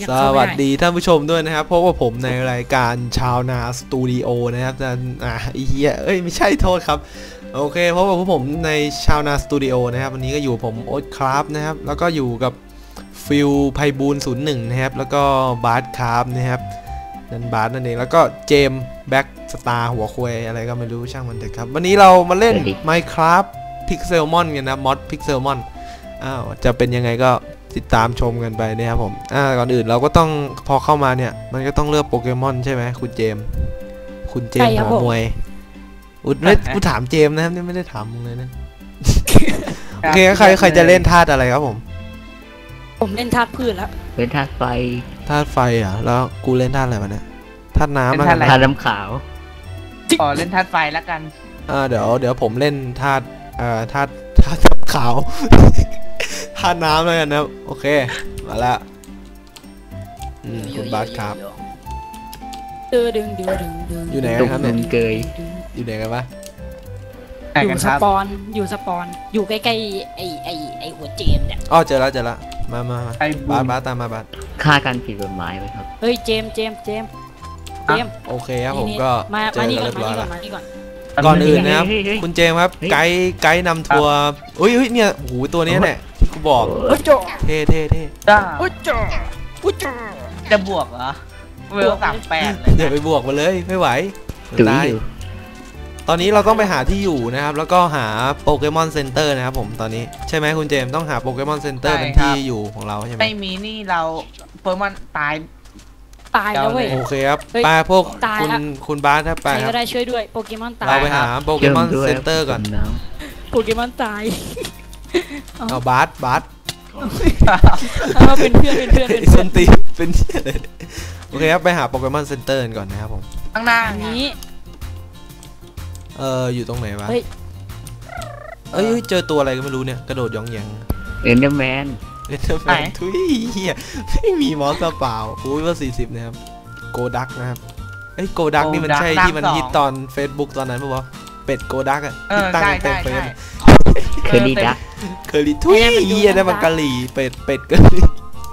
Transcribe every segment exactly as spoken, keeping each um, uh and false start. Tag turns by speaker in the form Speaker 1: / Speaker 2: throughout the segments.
Speaker 1: สวัสดีท่านผู้ชมด้วยนะครับพบกับผมในรายการชาวนาสตูดิโอนะครับจะอ่ะอีเหี้ยเอ้ยไม่ใช่โทษครับโอเคพบกับผมในชาวนาสตูดิโอนะครับวันนี้ก็อยู่ผมโอ๊ตคราฟนะครับแล้วก็อยู่กับฟิลไพบูลศูนย์หนึ่งนะครับแล้วก็บาร์ดคราฟนะครับนั่นบาร์ดนั่นเองแล้วก็เจมแบ็กสตาร์หัวควายอะไรก็ไม่รู้ช่างมันเถอะครับวันนี้เรามาเล่น Minecraft Pixelmon กันนะมอด Pixelmon อ้าวจะเป็นยังไงก็ติดตามชมกันไปนะครับผมอ่าก่อนอื่นเราก็ต้องพอเข้ามาเนี่ยมันก็ต้องเลือกโปเกมอนใช่ไหมคุณเจมคุณเจมหัวมวยอุดไม่กูถามเจมนะครับนี่ไม่ได้ถามมึงเลยนะโอเคใครใครจะเล่นธาตุอะไรครับผม
Speaker 2: ผมเล่นธาตุพืชแล้ว
Speaker 3: เล่นธาตุไฟ
Speaker 1: ธาตุไฟอ่ะแล้วกูเล่นธาตุอะไรวะเนี่ยธาตุน้ำแล้วกัน
Speaker 3: ธาตุน้ำขาว
Speaker 4: อ๋อเล่นธาตุไฟแล้วกัน
Speaker 1: อ่าเดี๋ยวเดี๋ยวผมเล่นธาตุอ่าธาตุธาตุขาวธาตุน้ำแล้วกันนะโอเคมาแล้วอืมคุณบาสครับอยู่ไหนกันครับเนี่ย
Speaker 3: เกย
Speaker 1: อยู่ไหนกันวะ
Speaker 2: อยู่สปอนอยู่สปอนอยู่ใกล้ๆไอ้ไอ้ไอ้หัวเจมเนี่ย
Speaker 1: อ๋อเจอแล้วเจอแล้วมามาบาสบาสตามมาบาส
Speaker 3: ฆ่ากันผิดกฎหมายไหมครับ
Speaker 2: เฮ้ยเจมเจมเจมเจม
Speaker 1: โอเคครับผมก็
Speaker 2: เจอกันเรียบร้อยแล้ว
Speaker 1: ก่อนอื่นนะครับคุณเจมครับไกด์ไกด์นำทัวร์อุ้ยเนี่ยหูตัวนี้เนี่ยที่กูบอกเท่เท่เท่
Speaker 4: จ้าจะบวกเหรอเวลสามแปดเลย
Speaker 1: เดี๋ยวไปบวกมาเลยไม่ไหวตายตอนนี้เราต้องไปหาที่อยู่นะครับแล้วก็หาโปเกมอนเซ็นเตอร์นะครับผมตอนนี้ใช่ไหมคุณเจมต้องหาโปเกมอนเซ็นเตอร์เป็นที่อยู่ของเราใช่ไหม
Speaker 4: ไม่มีนี่เราโปเกมอนตาย
Speaker 2: ตายแล้วเว้ย
Speaker 1: โอเคครับไปพวกคุณคุณบาสครับไปครับ
Speaker 2: ก็ได้ช่วยด้วยโปเกมอนตาย
Speaker 1: เราไปหาโปเกมอนเซ็นเตอร์ก่อน
Speaker 2: โปเกมอนตาย
Speaker 1: เอาบาสบาส
Speaker 2: เราเป็นเพื่อนเป็นเพื่อนเป็น
Speaker 1: ส้นตีเป็นเพื่อนเลยโอเคครับไปหาโปเกมอนเซ็นเตอร์ก่อนนะครับผม
Speaker 4: ข้างหน้า
Speaker 2: นี้
Speaker 1: เอออยู่ตรงไหนวะเฮ้ยเอ้ยเจอตัวอะไรก็ไม่รู้เนี่ยกระโดดย่องแยง
Speaker 3: เอ็นเดอร์แมน
Speaker 1: เอ็นเดอร์แมนทุยเฮียไม่มีมอสเปล่าอุ้ยว่าสี่สิบนะครับโกดักนะครับไอ้โกดักนี่มันใช่ที่มันฮิตตอน Facebook ตอนนั้นป่ะวะเป็ดโกดักอ่ะที่ตั้งเต็มเฟซ
Speaker 3: เคอร์รี่ดัก
Speaker 1: เคอร์รี่ทุยเฮียได้มันกะหรี่เป็ดเป็ดกะหรี่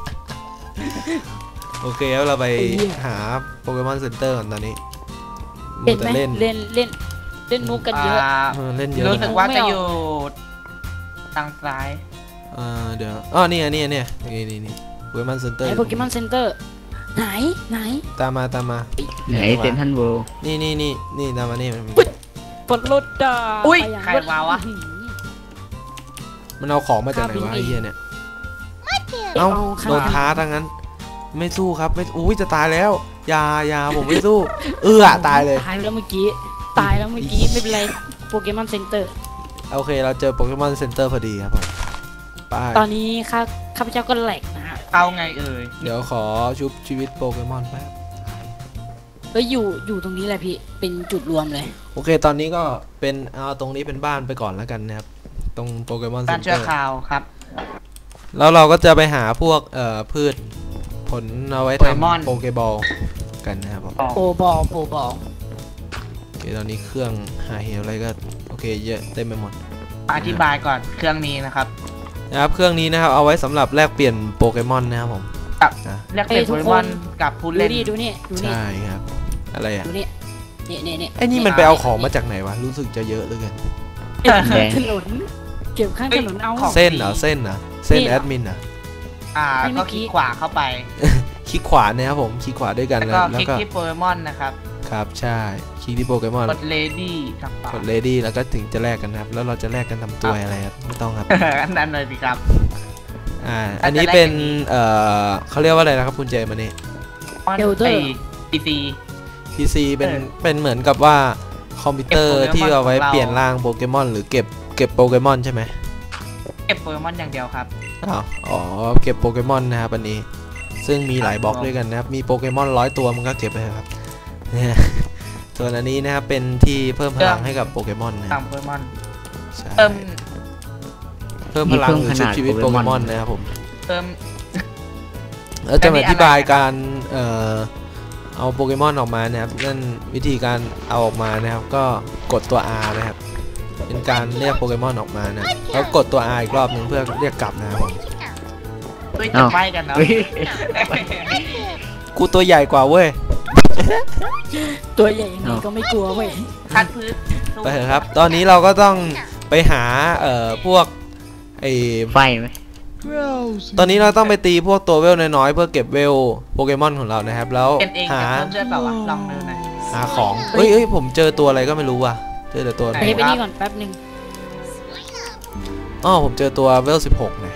Speaker 1: โอเคแล้วเราไปหาโปเกมอนเซ็นเตอร์ก่อนตอนนี้
Speaker 2: เล่นเล่นเล่นเล่นมุกกันเยอะ
Speaker 1: เล่นเยอะ
Speaker 4: รู้สึกว่าจะอยู่ทางซ้าย
Speaker 1: อ่าเดี๋ยวอ๋อนี่นี่นี่นี่นี่นี่โปเกมอนเซ็นเตอร์
Speaker 2: โปเกมอนเซ็นเตอร์ไหนไหน
Speaker 1: ตามมาตามมา
Speaker 3: ไหนเซนทันเวิลด์
Speaker 1: นี่นี่นี่นี่ตามมานี่
Speaker 2: ปลดรถด่า
Speaker 4: อุ้ยใครมาวะ
Speaker 1: มันเอาของมาจากไหนวะไอ้เหี้ยเนี่ยเอ้าโดนท้าทั้งนั้นไม่สู้ครับไม่อุ้ยจะตายแล้วยายาผมไม่สู้เออตายเลย
Speaker 2: ตายแล้วเมื่อกี้ตายแล้วเมื่อกี้ไม่เป็นไรโปเกมอนเซ็นเตอร์
Speaker 1: โอเคเราเจอโปเกมอนเซ็นเตอร์พอดีครับผม
Speaker 2: ตอนนี้ข้าข้าพเจ้าก็แหลกนะฮะ
Speaker 4: เอาไงเอ่ย
Speaker 1: เดี๋ยวขอชุบชีวิตโปเกมอนแป๊บ
Speaker 2: เฮ้ยอยู่อยู่ตรงนี้แหละพี่เป็นจุดรวมเลย
Speaker 1: โอเคตอนนี้ก็เป็นเอาตรงนี้เป็นบ้านไปก่อนแล้วกันนะครับตรงโปเกมอนเซ็นเตอร์บ้าน
Speaker 4: ชั่วคราวครับ
Speaker 1: แล้วเราก็จะไปหาพวกเอ่อพืชผลเอาไว้ทำโปเกบอลกันนะครับ
Speaker 2: โปบอลโปบอล
Speaker 1: โอเคตอนนี้เครื่องหาเหวอะไรก็โอเคเยอะเต็มไปหมด
Speaker 4: อธิบายก่อนเครื่องนี้นะครับ
Speaker 1: นะครับเครื่องนี้นะครับเอาไว้สำหรับแลกเปลี่ยนโปเกมอนนะครับผม
Speaker 4: แลกเปลี่ยนโปเกมอนกับผู้เล่น
Speaker 2: ดูนี่ดูนี่
Speaker 1: ใช่ครับอะไรอ่ะ
Speaker 2: ดูนี่นี่นี่นี่
Speaker 1: ไอ้นี่มันไปเอาของมาจากไหนวะรู้สึกจะเยอะเหลือเกิน
Speaker 2: ถนนเก็บข้างถนนเอา
Speaker 1: เส้นเหรอเส้นเหรอเส้นแอดมินอ่ะ
Speaker 4: อ่าก็คลิกขวาเข้าไป
Speaker 1: คลิกขวาเนี่ยครับผมคลิกขวาด้วยกัน
Speaker 4: แล้วก็คลิกที่โปเกมอนนะครับ
Speaker 1: ครับใช่คลิกที่โปเกมอน
Speaker 4: กดเลดี้
Speaker 1: กดเลดี้แล้วก็ถึงจะแลกกันครับแล้วเราจะแลกกันทำตัวอะไรครับไม่ต้องครับ
Speaker 4: อันนั้นเลยสิครับ
Speaker 1: อ่าอันนี้เป็นเอ่อเขาเรียกว่าอะไรนะครับคุณเจมันนี่
Speaker 2: เดลเตอร์
Speaker 4: พีซี
Speaker 1: พีซีเป็นเป็นเหมือนกับว่าคอมพิวเตอร์ที่เอาไว้เปลี่ยนร่างโปเกมอนหรือเก็บเก็บโปเกมอนใช่ไหม
Speaker 4: เก็บโปเกมอนอย่างเดียวครับ
Speaker 1: อ๋อเก็บโปเกมอนนะครับอันนี้ซึ่งมีหลายบล็อกด้วยกันนะครับมีโปเกมอนร้อยตัวมันก็เก็บไปครับส่วนอันนี้นะครับเป็นที่เพิ่มพลังให้กับโปเกมอนนะ
Speaker 4: เพิ่มโปเกมอน
Speaker 1: เพิ่มเพิ่มพลังหรือชุบชีวิตโปเกมอนนะครับผม
Speaker 4: เพิ่ม
Speaker 1: แล้วจะมาอธิบายการเอ่อเอาโปเกมอนออกมานะครับนั่นวิธีการเอาออกมานะครับก็กดตัว R นะครับเป็นการเรียกโปเกมอนออกมานะแล้วกดตัว R อีกรอบหนึ่งเพื่อเรียกกลับนะครับผม
Speaker 4: เฮ้ยจะไปกันเนาะ
Speaker 3: เฮ้ย
Speaker 1: กูตัวใหญ่กว่าเว้ย
Speaker 2: ตัวใหญ่ยังไงก็ไม่กลัวเว้ย
Speaker 4: คัดพื้นสู้
Speaker 1: ไปเถอะครับ ตอนนี้เราก็ต้องไปหาเอ่อพวกไอ
Speaker 3: ไฟไหม
Speaker 1: ตอนนี้เราต้องไปตีพวกตัวเวลน้อยๆเพื่อเก็บเวลโปเกมอนของเรานะครับ แล้ว
Speaker 4: เก็บเอง
Speaker 1: หา
Speaker 4: จะเพิ่มเลือดเปล่าวะลองดูหน่อย
Speaker 1: หาของเฮ้ยเฮ้ยผมเจอตัวอะไรก็ไม่รู้ว่ะเจอแต่ตัว
Speaker 4: ไหน
Speaker 2: ไปไปนี่ก่อนแป๊บหนึ่ง
Speaker 1: อ๋อผมเจอตัวเวลสิบหกนะ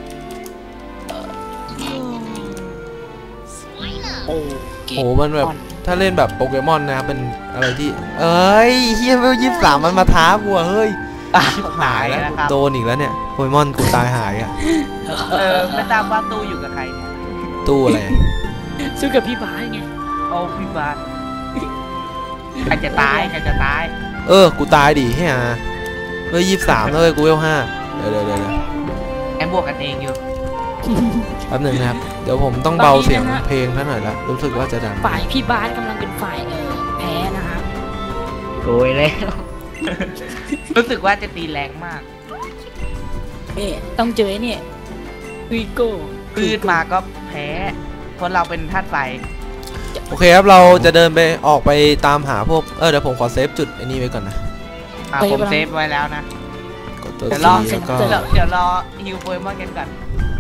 Speaker 2: โอ้เก
Speaker 1: โหมันแบบถ้าเล่นแบบโปเกมอนนะครับเป็นอะไรที่เอ้ยเฮียเวลยี่สิบสามมันมาท้ากูอะเฮ้ย ชิบหายแล้ว
Speaker 4: นะครับ
Speaker 1: โดนอีกแล้วเนี่ยโปเกมอนกูตายหายอ่ะ
Speaker 4: เออไม่ทราบว่าตู้อยู่กับใครเนี่ย
Speaker 1: ตู้อะไร
Speaker 2: สู้กับพี่บาสไง
Speaker 4: โอ้พี่บาสใครจะตายใครจะตาย
Speaker 1: เออกูตายดิเฮียเฮ้ยยี่สิบสามเลยกูเวลห้าเดี๋ยวเดี๋ยวเดี๋ยว
Speaker 4: แอมบวกกันเองอยู่
Speaker 1: แป๊บหนึงนะครับเดี๋ยวผมต้องเบาเสียงเพลงท่านหน่อยละรู้สึกว่าจะดัง
Speaker 2: ฝ่ายพี่บาสกำลังเป็นฝ่ายเออแพ้นะครับ
Speaker 3: โกยแล้ว
Speaker 4: รู้สึกว่าจะตีแรงมาก
Speaker 2: เอ๊ะต้องเจอไอ้เนี่ยวีโก้
Speaker 4: พืชมาก็แพ้เพราะเราเป็นธาตุไฟ
Speaker 1: โอเคครับเราจะเดินไปออกไปตามหาพวกเออเดี๋ยวผมขอเซฟจุดไอ้นี่ไว้ก่อนนะ
Speaker 4: อ่ะผมเซฟไว้แล้วนะ
Speaker 1: กดตัว
Speaker 4: เดี๋ยว
Speaker 1: ซี
Speaker 4: รอ
Speaker 1: แล้วก็
Speaker 4: เดี๋ยวเดี๋ยวรอฮิวโปเกมอนกันก่อน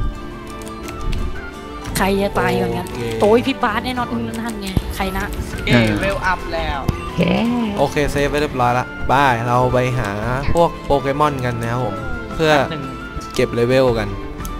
Speaker 2: ใครจะตายก่อนกัน
Speaker 1: โอเค
Speaker 2: โต้ยพี่บาสแน่นอนนั่นไงใครนะ
Speaker 4: เอ้เวลอัพแล้ว
Speaker 3: แค่
Speaker 1: โอเคเซฟไว้เรียบร้อยละบายเราไปหาพวกโปเกมอนกันนะครับผมเพื่อ
Speaker 4: หนึ่ง
Speaker 1: เก็บเลเวลกัน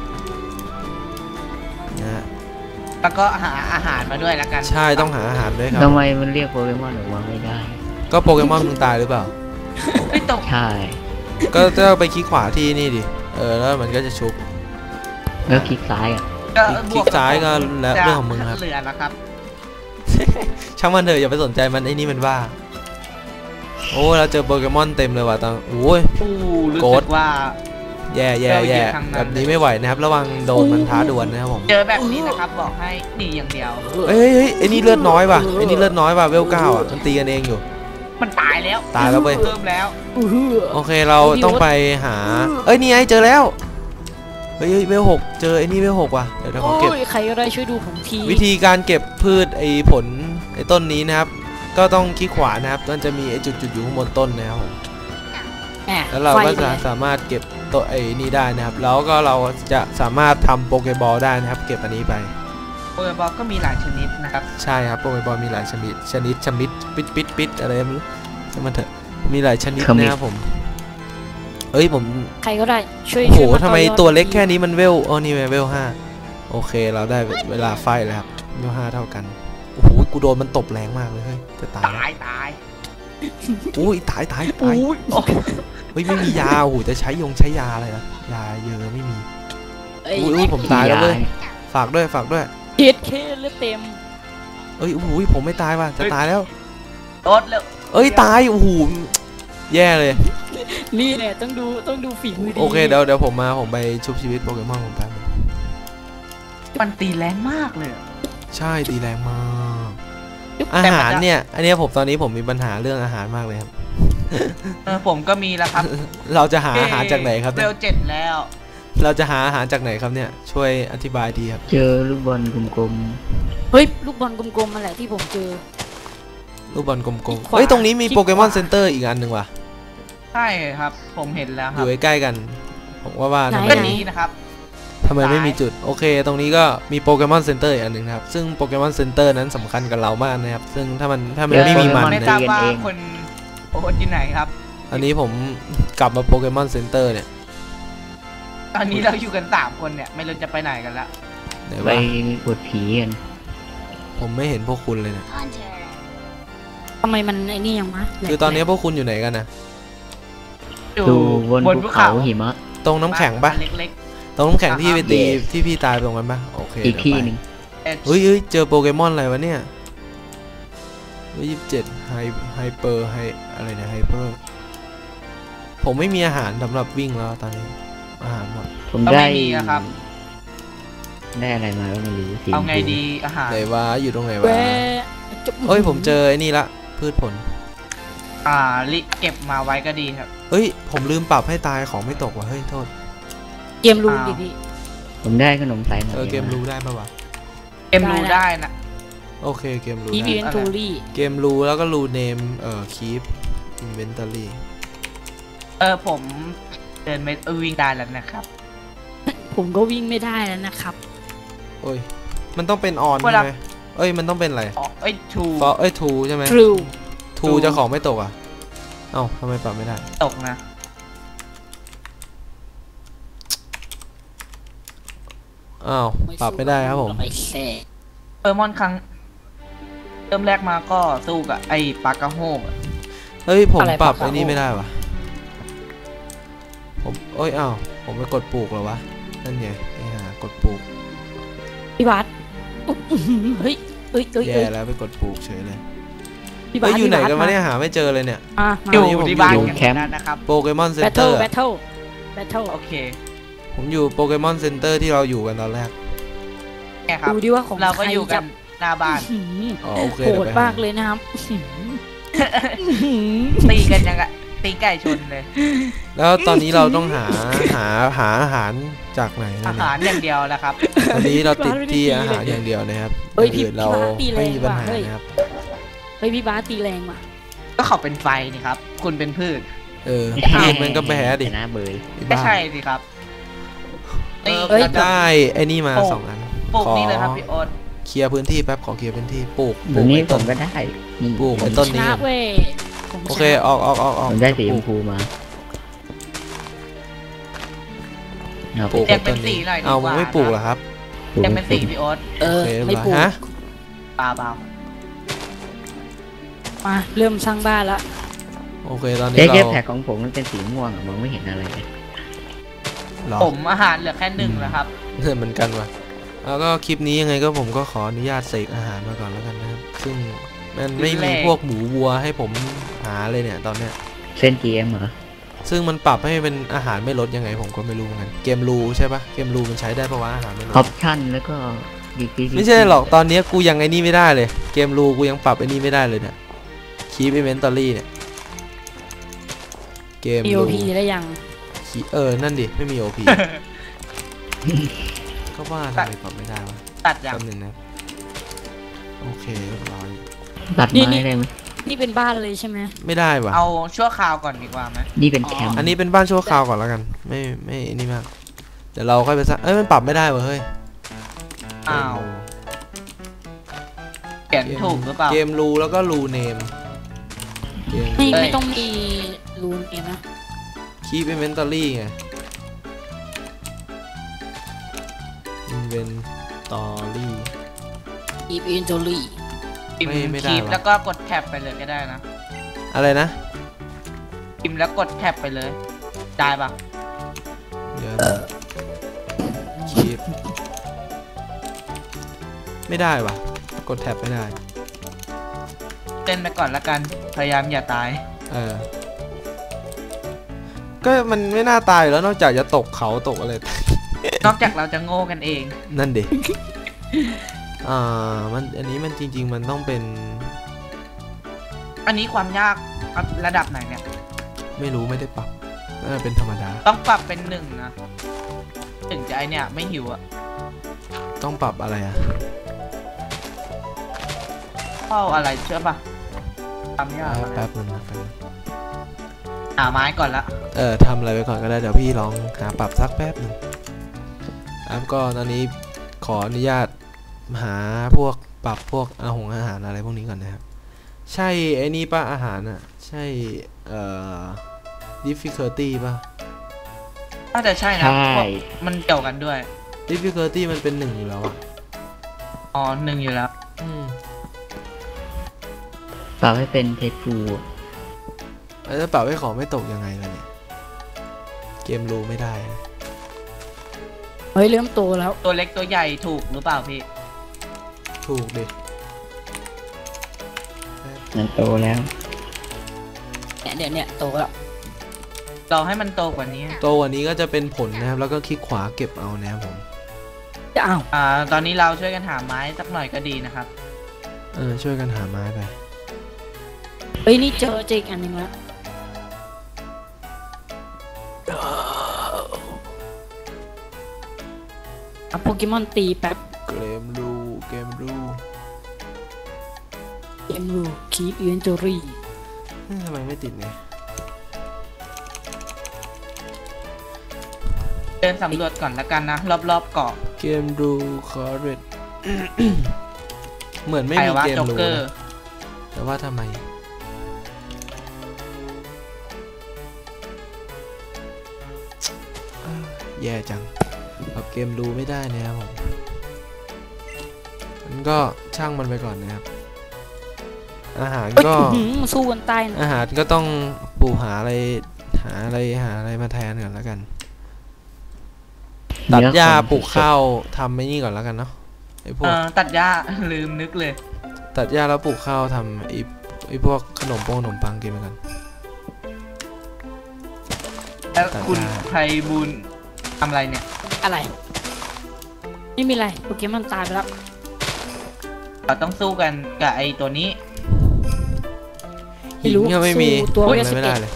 Speaker 1: นะฮะ
Speaker 4: แล้วก็หาอาหารมาด้วยแล้วกัน
Speaker 1: ใช่ต้องหาอาหารด้วยครับ
Speaker 3: ทำไมมันเรียกโปเกมอนออกมาไม่ได้
Speaker 1: ก็โปเกมอนมึงตายหรือเปล่า
Speaker 4: ไม่ตก
Speaker 3: ใช่
Speaker 1: ก็จะไปคลิกขวาที่นี่ดิเออแล้วมันก็จะชุบ
Speaker 3: แล้วคลิกซ้ายอ่ะ
Speaker 4: ก็
Speaker 1: คลิกซ้ายก็แล้วเรื่องของมึงครับ
Speaker 4: เหลือแล้วครับ
Speaker 1: ช่างมันเถอะอย่าไปสนใจมันไอ้นี่มันบ้าโอ้เราเจอโปเกมอนเต็มเลยว่ะตังโอ้ย
Speaker 4: อู้รู้
Speaker 1: โกร
Speaker 4: สึ
Speaker 1: ธ
Speaker 4: กว่า
Speaker 1: แย่แย่แย่
Speaker 4: เราอยู่ทางนั้น
Speaker 1: แบบนี้ไม่ไหวนะครับระวังโดนมันท้าดวลนะครับผม
Speaker 4: เจอแบบนี้นะครับบอกให้หนีอย่างเดียว
Speaker 1: เฮ้ยเฮ้ยไอ้นี่เลือดน้อยว่ะไอ้นี่เลือดน้อยว่ะเวลเก้าอ่ะมันตีกันเองอยู่
Speaker 4: มันตายแล้ว
Speaker 1: ตายแล้วเว้ย
Speaker 4: เพิ่มแล้ว
Speaker 2: อื้อหือ
Speaker 1: โอเคเราต้องไปหาเอ้ยนี่ไงเจอแล้วเฮ้ยเฮ้ยเวลหกเจอไอ้นี่เวลหกว่ะเดี๋ยวเราขอ
Speaker 2: โอ้
Speaker 1: เก็บ
Speaker 2: ยใครก็ได้ช่วยดูผมที
Speaker 1: วิธีการเก็บพืชไอ้ผลไอ้ต้นนี้นะครับ ก็ต้องคลิกขวานะครับมันจะมีไอ้จุดๆอยู่ข้างบนต้นนะครับผม
Speaker 2: แหม่
Speaker 1: แล้วเราก็
Speaker 2: ไฟ
Speaker 1: จะ
Speaker 2: นี่ย
Speaker 1: สามารถเก็บตัวไอ้นี่ได้นะครับ แล้วก็เราจะสามารถทำโปเกบอลได้นะครับ เก็บอันนี้ไป
Speaker 4: โปเกบอลก็มีหลายชนิดนะครับ
Speaker 1: ใช่ครับโปเกบอลมีหลายชนิดชนิดชนิดปิดปิดปิดอะไรไม่รู้ใช่มันเถอะมีหลายชนิดนะครับผมเอ้ยผม
Speaker 2: ใครก็ได้ช่วย
Speaker 1: โอ้โห
Speaker 2: ช่วยา
Speaker 1: ทำไม
Speaker 2: ต่อยอด
Speaker 1: ตัวเล็กแค่นี้มันเวลอ๋อนี่เวลห้าโอเคเราได้เวลาไฟแล้วครับเวลห้าเท่ากันโอ้โหกูโดนมันตบแรงมากเลยเฮ้ยจะตายแล้ว
Speaker 4: ตายตาย
Speaker 1: อุ้ยตายตายตาย
Speaker 2: อุ้ย
Speaker 1: เฮ้ยไม่มียาโอ้โหจะใช้ยงใช้ยาอะไรนะยาเยอะไม่มี
Speaker 2: เอ้ย
Speaker 1: อุ้ยอุ้ยผมตายแล้วเว้ยฝากด้วยฝากด้วย
Speaker 2: เฮ็ดเคเลือดเต็ม
Speaker 1: เอ้ยโอ้โหผมไม่ตายว่ะจะตายแล้ว
Speaker 4: โดดเร็ว
Speaker 1: เอ้ยตายโอ้โหแย่เลย
Speaker 2: นี่แหละต้องดูต้องดูฝีมือดี
Speaker 1: โอเคเดี๋ยวเดี๋ยวผมมาผมไปชุบชีวิตโปเกมอนผมแป๊บนึง
Speaker 4: มันตีแรงมากเลย
Speaker 1: ใช่ตีแรงมาก อาหารเนี่ย อันเนี้ยผมตอนนี้ผมมีปัญหาเรื่องอาหารมากเลยครับ
Speaker 4: เออผมก็มีแล้วครับ
Speaker 1: เราจะหาอาหารจากไหนครับ
Speaker 4: เว
Speaker 1: เนี่ย
Speaker 4: ลเจ็ดแล้ว
Speaker 1: เราจะหาอาหารจากไหนครับเนี่ยช่วยอธิบายดีครับ
Speaker 3: เจอลูกบอลกลม
Speaker 2: เฮ้ยลูกบอลกลมๆมาแหละที่ผมเจอ
Speaker 1: ลูกบอลกลม
Speaker 2: คลิก
Speaker 1: ๆ
Speaker 2: ขวา
Speaker 1: เฮ้ยตรงนี้มี
Speaker 2: คลิก
Speaker 1: โปเกมอน
Speaker 2: ขวา
Speaker 1: เซ็นเตอร์อีกอันหนึ่งว่ะ
Speaker 4: ใช่ครับผมเห็นแล้ว
Speaker 1: อ
Speaker 4: ครับ
Speaker 1: ยู่ใกล้ๆกันผมว่าว่าทำไม
Speaker 4: ก็นี้นะครับ
Speaker 1: ทำไมไม่มีจุดโอเค ตรงนี้ก็มีโปเกมอนเซ็นเตอร์อีกอันหนึ่งครับซึ่งโปเกมอนเซ็นเตอร์นั้นสำคัญกับเรามากนะครับซึ่งถ้ามันถ้ามันไม่มีมัน
Speaker 4: ไม่
Speaker 1: นะ
Speaker 4: ทราบว่าคนโอ้ที่ไหนครับ
Speaker 1: อันนี้ผมกลับมาโปเกมอนเซ็นเตอร์เนี่ย
Speaker 4: ตอนนี้เราอยู่กันสามคนเนี่ยไม่รู้จะไปไหนกันละ
Speaker 1: ไหน
Speaker 3: ๆไป
Speaker 1: วะ
Speaker 3: ปวดผีกัน
Speaker 1: ผมไม่เห็นพวกคุณเลยเนี่ย
Speaker 2: ทำไมมันไอ้นี่ยังวะแหลก
Speaker 1: คือตอนนี้พวกคุณอยู่ไหนกันนะ
Speaker 4: อยู่
Speaker 3: ดูบน
Speaker 4: บน
Speaker 3: ภู
Speaker 4: ภู
Speaker 3: เขา
Speaker 4: เขา
Speaker 3: หิมะ
Speaker 1: ตรงน้ำแข็งปะ
Speaker 4: เล็ก
Speaker 1: ตรงน้ำแข็งที่ไปตี
Speaker 3: Yes
Speaker 1: ที่พี่ตายตรงนั้นปะโอเค
Speaker 3: อีกที่หนึ่ง
Speaker 4: ๆเอ็ด
Speaker 1: เฮ้ยเฮ้ยเจอโปเกมอนอะไรวะเนี่ยยี่สิบเจ็ดไฮไฮเปอร์ไฮอะไรเนี่ยไฮเปอร์ผมไม่มีอาหารสำหรับวิ่งแล้วตอนนี้อาหารหมด
Speaker 3: ผม
Speaker 4: ก็
Speaker 3: ได้
Speaker 4: ไม่มีนะครับ
Speaker 3: ได้อะไรมาก็ไม่รู้สี
Speaker 4: เอาไง
Speaker 3: ชมพู
Speaker 4: ดีอาหาร
Speaker 1: ไหนวะอยู่ตรงไหน
Speaker 2: แหว
Speaker 1: วะ
Speaker 2: จะ
Speaker 1: เอ้ยผมเจอไอ้นี่ละพืชผล
Speaker 4: อ่าลิเก็บมาไว้ก็ดีครับ
Speaker 1: เอ้ยผมลืมปรับให้ตายของไม่ตกว่ะเฮ้ยโทษ
Speaker 2: เกมรูนดิพี่
Speaker 3: ผมได้ขนมสายไหม
Speaker 1: เออเกมรู้ได้ปะวะ
Speaker 4: เกมรู้ได้นะ
Speaker 1: โอเคเกมรู้
Speaker 2: อี
Speaker 1: ได้
Speaker 2: เวนทูรี่
Speaker 1: เกมรู้แล้วก็รู้เนมเอ่อคีปอินเวนทอรี่
Speaker 4: เออผมเดินไม่วิ่งได้แล้วนะครับ
Speaker 2: ผมก็วิ่งไม่ได้แล้วนะครับ
Speaker 1: โอ้ยมันต้องเป็นออนใช่ไหมเอ้ยมันต้องเป็นอะไร
Speaker 4: อ๋อเอ้ยทู
Speaker 1: ฟอเอ้ยทูใช่ไหม
Speaker 2: True
Speaker 1: ทูจะของไม่ตกอ่ะเอ้าทำไมปรับไม่ได้
Speaker 4: ตกนะ
Speaker 1: อ้าวปรับไม่ได้ครับผม
Speaker 2: ไอ้แซ่
Speaker 4: เออมอนครั้งเริ่มแรกมาก็สู้กับไอ้ปากาโฮกอะ
Speaker 1: เฮ้ยผมปรับไอ้นี่ไม่ได้วะผมเอ้ยอ้าวผมไปกดปลูกเหรอวะนั่นไงไอ้ห่ากดปลูก
Speaker 2: พี่บัสเฮ้ยเฮ้ยเฮ้ย
Speaker 1: แย่แล้วไปกดปลูกเฉยเลย
Speaker 2: พี่บั
Speaker 1: เฮ้
Speaker 2: ส
Speaker 1: ยอยู่ไหน
Speaker 2: พี่
Speaker 1: กัน
Speaker 2: บั
Speaker 1: วะ
Speaker 2: ส
Speaker 1: เนี่ยหาไม่เจอเลยเนี่ย
Speaker 2: อ่ะ
Speaker 4: อยู่
Speaker 1: ผม
Speaker 4: ที่บ้าน
Speaker 1: อยู่
Speaker 4: กัน
Speaker 3: แคมป์
Speaker 4: นั้นนะครับ
Speaker 1: โปเกมอนเซ็
Speaker 2: แบ
Speaker 1: น
Speaker 2: ท
Speaker 1: เต
Speaker 2: เทิ
Speaker 1: อ
Speaker 2: ล
Speaker 1: ร์
Speaker 2: แบทเทิลแบทเทิล
Speaker 4: โอเค
Speaker 1: ผมอยู่โปเกมอนเซ็นเตอร์ที่เราอยู่กันตอนแรก
Speaker 4: แค่ครับ
Speaker 2: ดูดิว่าของ
Speaker 4: เราก็
Speaker 2: ใคร
Speaker 4: อยู่กัน
Speaker 2: จะ
Speaker 4: หน้าบ้าน
Speaker 2: อื้อหือ
Speaker 1: อ๋อโอเค
Speaker 2: โห
Speaker 1: เดี๋ยว
Speaker 2: ด
Speaker 1: ไป
Speaker 2: มาก
Speaker 1: หา
Speaker 2: เลยนะครับอื้อหือ
Speaker 4: ตีกันยังไงตีไก่ชนเลย
Speaker 1: แล้วตอนนี้เราต้องหาหาหาอาหารจากไหนนะ
Speaker 4: อา
Speaker 1: เนี่
Speaker 4: หาร
Speaker 1: ย
Speaker 4: อย่างเดียวนะครับ
Speaker 1: ตอนนี้เราติดที่อาหารอย่างเดียวนะครับ
Speaker 2: เฮ้ยพี่
Speaker 1: อื่นเรา
Speaker 2: พี่บาสตีแร
Speaker 1: ไม่
Speaker 2: ง
Speaker 1: มีปัญ
Speaker 2: ว่ะ
Speaker 1: หา
Speaker 2: เฮ้ย
Speaker 1: นะครับ
Speaker 2: เฮ้ยพี่บาสตีแรงว่ะ
Speaker 4: ก็เขาเป็นไฟนี่ครับ คุณเป็นพืช
Speaker 1: เออมันก็แพ้ดิ
Speaker 3: ชนะเบย
Speaker 1: ไอ้
Speaker 4: ไม่
Speaker 1: บ้า
Speaker 4: ใช่สิครับ
Speaker 1: เอ
Speaker 4: ตี
Speaker 1: อ
Speaker 2: เอ้ย
Speaker 1: ผมได้ไอ้นี่มา
Speaker 4: ปลูก
Speaker 1: สองอัน
Speaker 4: ปลูก
Speaker 1: ขอ
Speaker 4: นี่เลยครับพี่โอ๊ต
Speaker 1: เคลียร์พื้นที่แป๊บขอเคลียร์พื้นที่ปลูกป
Speaker 3: ต
Speaker 1: ลู
Speaker 3: ร
Speaker 1: ก
Speaker 3: งนี้
Speaker 1: ไอ้
Speaker 3: ผ
Speaker 1: ต้น
Speaker 3: มก็ได้นี่
Speaker 1: ปลูกไอ้ต้น
Speaker 2: ช
Speaker 1: นี้
Speaker 2: นะ
Speaker 1: ก่อน
Speaker 2: เว้ยผม
Speaker 1: โอเคออกออกออกออก
Speaker 3: ผมได้สี
Speaker 1: ป
Speaker 3: ช
Speaker 1: ลู
Speaker 3: ม
Speaker 1: ก
Speaker 3: พูมาเอา
Speaker 1: ปลูก
Speaker 4: แย
Speaker 1: ไอ้
Speaker 4: กเป็
Speaker 1: ต้
Speaker 4: น
Speaker 1: น
Speaker 4: สี
Speaker 1: นี้
Speaker 4: หน่อยดี
Speaker 1: เอา
Speaker 4: กว่า
Speaker 1: ไม่ปลูกเหรอครับ
Speaker 4: แยกเป็นสีพี่โอ๊ต
Speaker 2: เอ
Speaker 1: โอ
Speaker 2: อ
Speaker 1: เคเรียบ
Speaker 2: ไม่
Speaker 1: ร้อย
Speaker 2: ปลูก
Speaker 1: ฮะ
Speaker 4: ปลาเบา
Speaker 2: มาเริ่มสร้างบ้านละ
Speaker 1: โอเคตอนนี้
Speaker 3: เจ๊
Speaker 1: เรา
Speaker 3: เจ๊แพ็กของผมมันเป็นสีม่วงอะมองไม่เห็นอะไรเลย
Speaker 1: เหรอ
Speaker 4: ผมอาหารเหลือแค่หนึ่งแล้วครับ
Speaker 1: เหมือนกันว่ะแล้วก็คลิปนี้ยังไงก็ผมก็ขออนุญาตเสกอาหารมาก่อนแล้วกันนะครับซึ่งมันไม่มีพวกหมูวัวให้ผมหาเลยเนี่ยตอนเนี้ย
Speaker 3: เส้น จี เอ็ม เหรอ
Speaker 1: ซึ่งมันปรับให้เป็นอาหารไม่ลดยังไงผมก็ไม่รู้เหมือนกันเกมรูใช่ปะเกมรูมันใช้ได้ปะวะอาหารไม่ล
Speaker 3: ออ
Speaker 1: ด
Speaker 3: ปชั่นแล้วก็ดีกรี
Speaker 1: ไม่ใช่หรอกตอนนี้กูยังไอ้นี่ไม่ได้เลยเกมรูกูยังปรับไอ้นี่ไม่ได้เลยเนี่ยคีปอินเวนทอรี่เนี่ยเกม
Speaker 2: มี
Speaker 1: รู
Speaker 2: โอพีได้ยัง
Speaker 1: คีเออนั่นดิไม่มีโอพี ก็ว่าทำไมปรับไม่ได้วะ
Speaker 4: ตัดอย่าง
Speaker 1: แป๊บนึงนะโอเคเรียบร้อย
Speaker 3: ตัดไม้ได้ไหม
Speaker 2: นี่เป็นบ้านเลยใช่ไหม
Speaker 1: ไม่ได้วะ
Speaker 4: เอาชั่วคราวก่อนดีกว่าไหม
Speaker 3: นี่เป็นแคมป์
Speaker 1: อันนี้เป็นบ้านชั่วคราวก่อนแล้วกัน ไม่ไม่นี่มากเดี๋ยวเราค่อยไปสร้างเอ้ยมันปรับไม่ได้เว้ยเฮ้ย
Speaker 4: อ้าวเขียนถูกหรือเปล่า
Speaker 1: เกมรูแล้วก็รูเนมเกม
Speaker 2: ไม่
Speaker 4: เอ้ย
Speaker 2: ไม่ต้องมีรูนเองนะ
Speaker 1: คีปอินเวนทอรี่ไงอินเวนทอรี่
Speaker 2: อีฟอินโทรี่
Speaker 4: พิม
Speaker 1: ไม่ไม่
Speaker 4: พ์
Speaker 1: ได้
Speaker 4: คีบ
Speaker 1: หรอ
Speaker 4: แล้วก็กดแท็บไปเลยก็ได้นะ
Speaker 1: อะไรนะ
Speaker 4: พิมพ์แล้วกดแท็บไปเลย ได้ปะ
Speaker 1: เดี๋ยวนะคีปไม่ได้วะกดแท็บไม่ได้
Speaker 4: เต้นไปก่อนละกัน พยายามอย่าตาย
Speaker 1: เออก็มันไม่น่าตายอยู่แล้วนอกจากจะตกเขาตกอะไร
Speaker 4: นอกจากเราจะโง่กันเอง
Speaker 1: นั่นดิ อ่า มันอันนี้มันจริง ๆ มันต้องเป็น
Speaker 4: อันนี้ความยากระดับไหนเนี่ย
Speaker 1: ไม่รู้ไม่ได้ปรับน่าจะเป็นธรรมดา
Speaker 4: ต้องปรับเป็นหนึ่งนะ ถึงจะไอเนี่ยไม่หิวอะ
Speaker 1: ต้องปรับอะไรอ่ะ
Speaker 4: เข้าอะไรเชื่อปะความยากอะไร
Speaker 1: แป๊บนึงนะแป๊บนึง
Speaker 4: หาไม้ก่อนละ
Speaker 1: เออทำอะไรไปก่อนก็ได้ เดี๋ยวพี่ลองหาปรับสักแป๊บหนึ่งครับก็ตอนนี้ขออนุญาตหาพวกปรับพวกอาหงอาหารอะไรพวกนี้ก่อนนะครับ ใช่ไอ้นี่ป่ะอาหารอ่ะ ใช่ เอ่อ difficulty ป่ะ
Speaker 4: น่าจะใช่นะ
Speaker 3: ใช่
Speaker 4: เพราะมันเกี่ยวกันด้วย
Speaker 1: difficulty มันเป็นหนึ่งอยู่แล้วอ่ะ
Speaker 4: อ๋อหนึ่งอยู่แล้ว
Speaker 1: อืม
Speaker 3: ปรับให้เป็นเทปฟู
Speaker 1: แล้วจะปรับให้ของไม่ตกยังไงล่ะเนี่ย เกมรูไม่ได้นะ
Speaker 2: เฮ้ยเริ่มโตแล้ว
Speaker 4: ตัวเล็กตัวใหญ่ถูกหรือเปล่าพี่
Speaker 1: ถูกดิ
Speaker 3: มันโตแล้ว
Speaker 2: เนี่ยเนี่ยเนี่ยโตแล้ว
Speaker 4: เราให้มันโตกว่านี้
Speaker 1: ตัววันนี้ก็จะเป็นผลนะครับ แล้วก็คลิกขวาเก็บเอานะครับผม
Speaker 2: จะอ้าว
Speaker 4: อ่า ตอนนี้เราช่วยกันหาไม้สักหน่อยก็ดีนะครับ
Speaker 1: เออช่วยกันหาไม้ไป
Speaker 2: เฮ้ยนี่เจอเจออีกอันหนึ่งแล้วเอาโปเกมอนตีแป๊บ
Speaker 1: เกมรูเกมรู
Speaker 2: เกมรูคีปอินเวนทอรี่
Speaker 1: ทำไมไม่ติดเนี่ย
Speaker 4: เดินสำรวจก่อนละกันนะรอบๆเกาะ
Speaker 1: เกมรูคอร์เรต เหมือนไม่
Speaker 4: ใคร
Speaker 1: มี
Speaker 4: ว่า
Speaker 1: เกม
Speaker 4: โจ๊ก
Speaker 1: รู
Speaker 4: เกอร์
Speaker 1: นะแต่ว่าทำไมแย่จังกับเกมรูไม่ได้นะครับผมมันก็ช่างมันไปก่อนนะครับอาหารก็
Speaker 2: สู้กันตายนะ
Speaker 1: อาหารก็ต้องปลูกหาอะไรหาอะไรหาอะไรมาแทนก่อนแล้วกันตัดหญ้าปลูกข้าวทำไอ้นี่ก่อนแล้วกันเนาะไอ้พว
Speaker 4: เอก อตัดหญ้า ลืมนึกเลย
Speaker 1: ตัดหญ้าแล้วปลูกข้าวทำไอ้ไอ้พวกขนมโปงขนมปังกินไปกัน
Speaker 4: แล้ว
Speaker 1: ตัดหญ้า
Speaker 4: คุณไพบุญทำอะไรเนี่ย
Speaker 2: อะไรไม่มีอะไรโปเกมอนตายไปแล้ว
Speaker 4: เราต้องสู้กันกับไอ้ตัวนี้
Speaker 1: หินก็ไม่มี
Speaker 2: สู้ตัว
Speaker 1: ทำ
Speaker 2: เว
Speaker 1: อะไร
Speaker 2: ส
Speaker 1: ไม่
Speaker 2: เก
Speaker 1: ได้
Speaker 2: ต
Speaker 1: เลย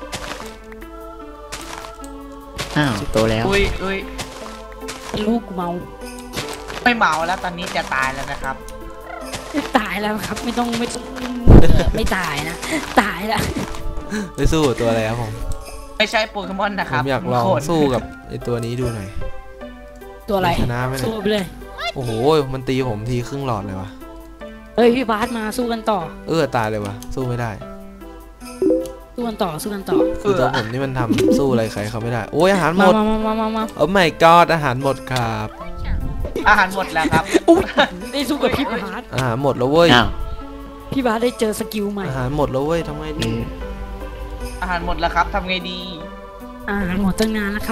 Speaker 3: อ้าวโตแล้ว
Speaker 4: อุ้ยอุ้ย
Speaker 2: ลูกกูเมา
Speaker 4: ไม่เมาแล้วตอนนี้จะตายแล้วนะครับ
Speaker 2: ตายแล้วครับไม่ต้องไม่ต้องไม่ตายนะตายแล้ว
Speaker 1: ไปสู้กับตัวอะไรครับผม
Speaker 4: ไม่ใช่โปเกมอนนะ
Speaker 1: ผ
Speaker 4: ครับ
Speaker 1: มอยากลอง
Speaker 4: คน
Speaker 1: สู้กับไอ้ตัวนี้ดูหน่อย
Speaker 2: ตัวอะไร
Speaker 1: ชนะไหมเนี่
Speaker 2: สู้
Speaker 1: ย
Speaker 2: ไปเลย
Speaker 1: โอ้โหมันตีผมทีครึ่งหลอดเลยวะ
Speaker 2: เฮ้ยพี่บาสมาสู้กันต่อ
Speaker 1: เออตายเลยวะสู้ไม่ได้
Speaker 2: สู้กันต่อสู้กันต่อ
Speaker 1: คือตัวผมนี่มันทำสู้อะไรใครเขาไม่ได้โอ้ยอาหารหม
Speaker 2: มา
Speaker 1: ด
Speaker 2: มามามามามา
Speaker 1: โอ้ my god อาหารหมดครับ
Speaker 4: อาหารหมดแล้วครับ
Speaker 2: อุ๊ยได้สู้กับพี่บาส
Speaker 1: อาหารหมดแล้วเว้ย
Speaker 3: อ้าว
Speaker 2: พี่บาสได้เจอสกิลใหม่
Speaker 1: อาหารหมดแล้วเว้ยทำไง
Speaker 3: เอ
Speaker 1: ดี
Speaker 3: อ
Speaker 4: อาหารหมดแล้วครับทำไงดี
Speaker 2: อาหารหมดตั้งนานแล้วครับ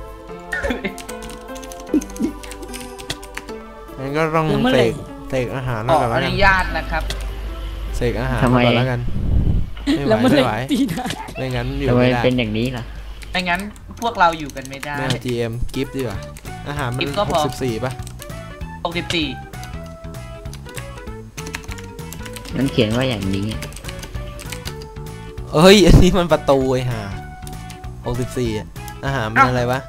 Speaker 1: งั้นก็ต้อง
Speaker 2: แล้วเมื่อ
Speaker 1: เส
Speaker 2: ไหร่
Speaker 1: กเสกอาหาร
Speaker 4: ข
Speaker 1: มา
Speaker 4: อ
Speaker 1: ก่อน
Speaker 4: อ
Speaker 1: แล้วกั
Speaker 4: นุ
Speaker 1: น
Speaker 4: ญาตนะครับ
Speaker 1: เสกอาหารมาก่อนแล้วกันไม่ไหว
Speaker 2: แล้วเมื่อไห
Speaker 1: ไม่
Speaker 2: ร่
Speaker 1: ไหว
Speaker 2: ตีนะ
Speaker 1: ไม่งั้นอยู่
Speaker 3: ทำไม
Speaker 1: ไม่ได้
Speaker 3: เป็นอย่างนี้ล่ะ
Speaker 4: ไม่งั้นพวกเราอยู่กันไม่ได้
Speaker 1: ไม่เอา จี เอ็ม กิฟต์ดีกว่าอาหารมัน
Speaker 4: กิฟต์ก็
Speaker 1: ห
Speaker 4: พ
Speaker 1: ก
Speaker 4: อ
Speaker 1: สิบสี่ป่ะ
Speaker 4: หกสิบสี่
Speaker 3: มันเขียนว่าอย่างนี้
Speaker 1: เอ้ยอันนี้มันประตูไอ้ห่าหกสิบสี่อาหารมันอะไรวะ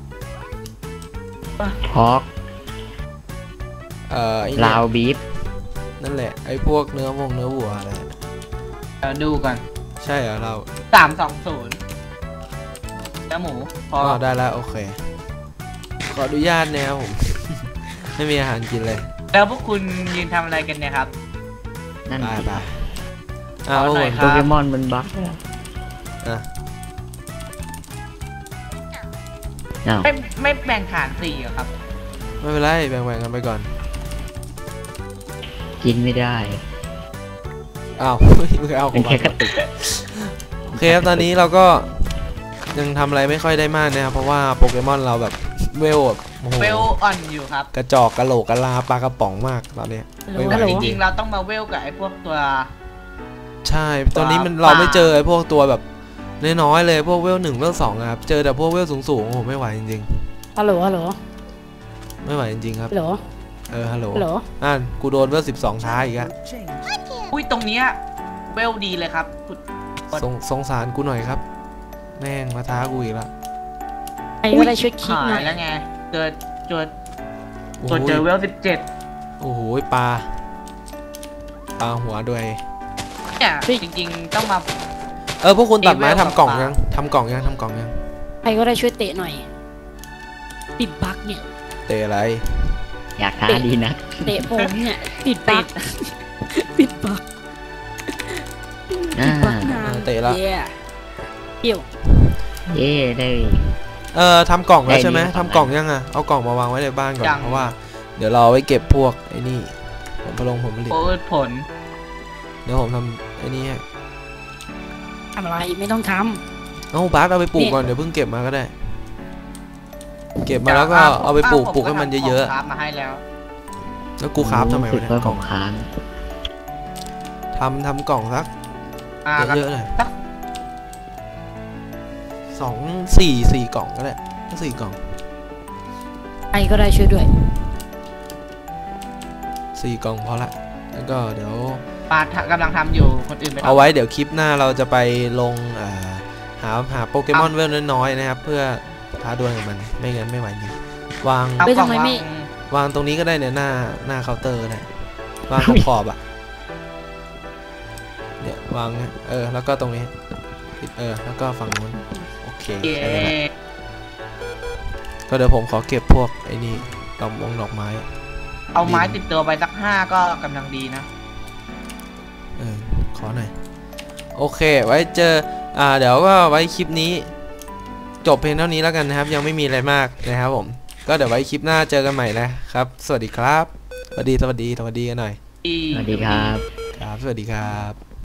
Speaker 3: พอก
Speaker 1: เอ่อไอ้เนี่ย
Speaker 3: ลาวบีฟ
Speaker 1: นั่นแหละไอ้พวกเนื้อวงเนื้อวัวอะไร
Speaker 4: เดี๋ยวดูก่อน
Speaker 1: ใช่เหรอเรา
Speaker 4: สามสองศูนย์เนื้อหมูพอ
Speaker 1: อ๋อได้แล้วโอเคขออนุญาตนะครับผม ไม่มีอาหารกินเลย
Speaker 4: แล้วพวกคุณยืนทำอะไรกันเนี่ยครับ
Speaker 3: นั่น
Speaker 1: ไป
Speaker 3: สิ
Speaker 1: ไปอ้าว
Speaker 4: ขอหน่
Speaker 1: โอ้
Speaker 4: อย
Speaker 1: ย
Speaker 4: ค
Speaker 3: โป
Speaker 4: รับ
Speaker 3: เกมอนมันบั๊ก
Speaker 1: อ่ะ
Speaker 3: อ้าว
Speaker 4: ไม่ไม่แบ่งฐานสี่เหรอครับ
Speaker 1: ไม่เป็นไรแบ่งๆกันไปก่อน
Speaker 3: กินไม่ได้
Speaker 1: อ้าว มึงเอาข
Speaker 3: เป็
Speaker 1: อน ง
Speaker 3: แค่
Speaker 1: มัน
Speaker 3: กระตุก
Speaker 1: โอเคครับตอนนี้เราก็ยังทำอะไรไม่ค่อยได้มากนะครับเพราะว่าโปเกมอนเราแบบเวลแบบโอ้โห
Speaker 4: เวลอ่อนอยู่ครับ
Speaker 1: กระจอกกระโหลกกระลาปลากระป๋องมากตอนเนี้ย
Speaker 2: ฮัลโหล
Speaker 1: ไม่ไหว
Speaker 2: ฮัลโหล
Speaker 4: จริงๆเราต้องมาเวลกับไอ้พวกตัว
Speaker 1: ใช่ตอนนี้มัน
Speaker 4: ปลา
Speaker 1: เราไม่เจอไอ้พวกตัวแบบน้อยๆเลยพวกเวลหนึ่งเวลสองอะครับเจอแต่พวกเวลสูงๆโอ้โหไม่ไหวจริง
Speaker 2: ฮัลโหลฮัลโหล
Speaker 1: ๆไม่ไหวจริงๆครับ
Speaker 2: ฮัลโหล
Speaker 1: เออฮัลโหล
Speaker 2: ฮัลโหล
Speaker 1: อ่ะกูโดนเวลสิบสองท้ายอีกอะ
Speaker 4: อุ้ยตรงเนี้ยเวลดีเลยครับคุณ
Speaker 1: สงสงสารกูหน่อยครับ แม่งมาท้ากูอีกแล้ว
Speaker 2: ใครก็ได้ช่วยคิด
Speaker 4: หา
Speaker 2: หน่อย ย
Speaker 4: แล้วไงเจอเจอ
Speaker 1: โอ้
Speaker 4: ตัว
Speaker 1: โห
Speaker 4: เจอเวลสิบเจ็ด
Speaker 1: โอ้โหปลาปลาหัวด้วย
Speaker 4: เนี่ยจริงๆต้องมา
Speaker 1: เออพวกคุณตัดไม้
Speaker 4: อีเวล
Speaker 1: ทำกล่อง
Speaker 4: กับปลายั
Speaker 1: ยังทำกล่องยังทำกล่องยัง
Speaker 2: ใครก็ได้ช่วยเตะหน่อยติดบั๊กเนี่ย
Speaker 1: เตะอะไร
Speaker 3: อยากท้าดีนะ
Speaker 2: เตะผมเนี่ยติดบั๊กติดบั๊ก
Speaker 3: อ่า
Speaker 2: บั๊กนาน
Speaker 1: เตะแล้ว
Speaker 2: เย้เกี่ยว
Speaker 3: เย่ได้
Speaker 1: เออทำกล่องแล้วใช่ไหม
Speaker 3: ได้นี่
Speaker 1: ทำกล่องยังอ่ะเอากล่องมาวางไว้ในบ้านก่อน
Speaker 4: ยัง
Speaker 1: เพราะว่าเดี๋ยวเราเอาไว้เก็บพวกไอ้นี่ผมผลงผมผลิต
Speaker 4: โอ้ยผล
Speaker 1: เดี๋ยวผมทำไอ้นี่ให้
Speaker 2: ทำอะไรไม่ต้องท
Speaker 1: เอาบาสเอาไปปลูกก่อนเดี๋ยวเพิ่งเก็บมาก็ได้ เก็บมาแล้วก็เอาไปปลูกปลูกให้มันเยอะ
Speaker 4: ๆครับมาให้แล้ว
Speaker 1: ๆแล้วกูคราฟทำไม
Speaker 3: รู้
Speaker 1: วะ
Speaker 3: สึก
Speaker 1: เนี่ย
Speaker 3: ว่าก
Speaker 1: ล่
Speaker 3: ข
Speaker 1: อ
Speaker 3: อง งค้าง
Speaker 1: ทำทำกล่องสัก
Speaker 4: อ่า
Speaker 1: เยอะๆหน่อย
Speaker 4: สัก
Speaker 1: สองสี่สี่กล่องก็ได้ก็สี่กล่อง
Speaker 2: ำใครก็ได้ช่วยด้วย
Speaker 1: สี่กล่องพอละแล้วก็เดี๋ยว
Speaker 4: ปาทะกำลังทำอยู่คนอื่นไม่
Speaker 1: เอาไว้เดี๋ยวคลิปหน้าเราจะไปลงอ่าหาหาโปเกมอนเวลน้อยๆนะครับ เพื่อท้าดวลกับมันไม่งั้นไม่ไหวจริงวาง
Speaker 4: เอา
Speaker 2: เฮ้ย
Speaker 4: กล่อง
Speaker 2: ทำไม
Speaker 4: วาง
Speaker 2: ไม่
Speaker 1: วางตรงนี้ก็ได้เนี่ยหน้าหน้าเคาน์เตอร์นะวางขอบขอบๆอ่ะเนี่ยวางเนี่ยเออแล้วก็ตรงนี้เออแล้วก็ฝั่งนู้นโอเค
Speaker 4: เย้
Speaker 1: แค่นี้แหละก็เดี๋ยวผมขอเก็บพวกไอ้นี่ดอกมงดอกไม้
Speaker 4: เอาไม้ติดตัวไปสักห้าก็กำลังดีนะ
Speaker 1: เออขอหน่อยโอเคไว้เจออ่าเดี๋ยวก็ไว้คลิปนี้จบเพียงเท่านี้แล้วกันนะครับยังไม่มีอะไรมากนะครับผมก็เดี๋ยวไว้คลิปหน้าเจอกันใหม่นะครับสวัสดีครับสวัสดีสวัสดีสวัสดีกันหน่อย
Speaker 3: สวัสดีครับ
Speaker 1: ครับสวัสดีครับ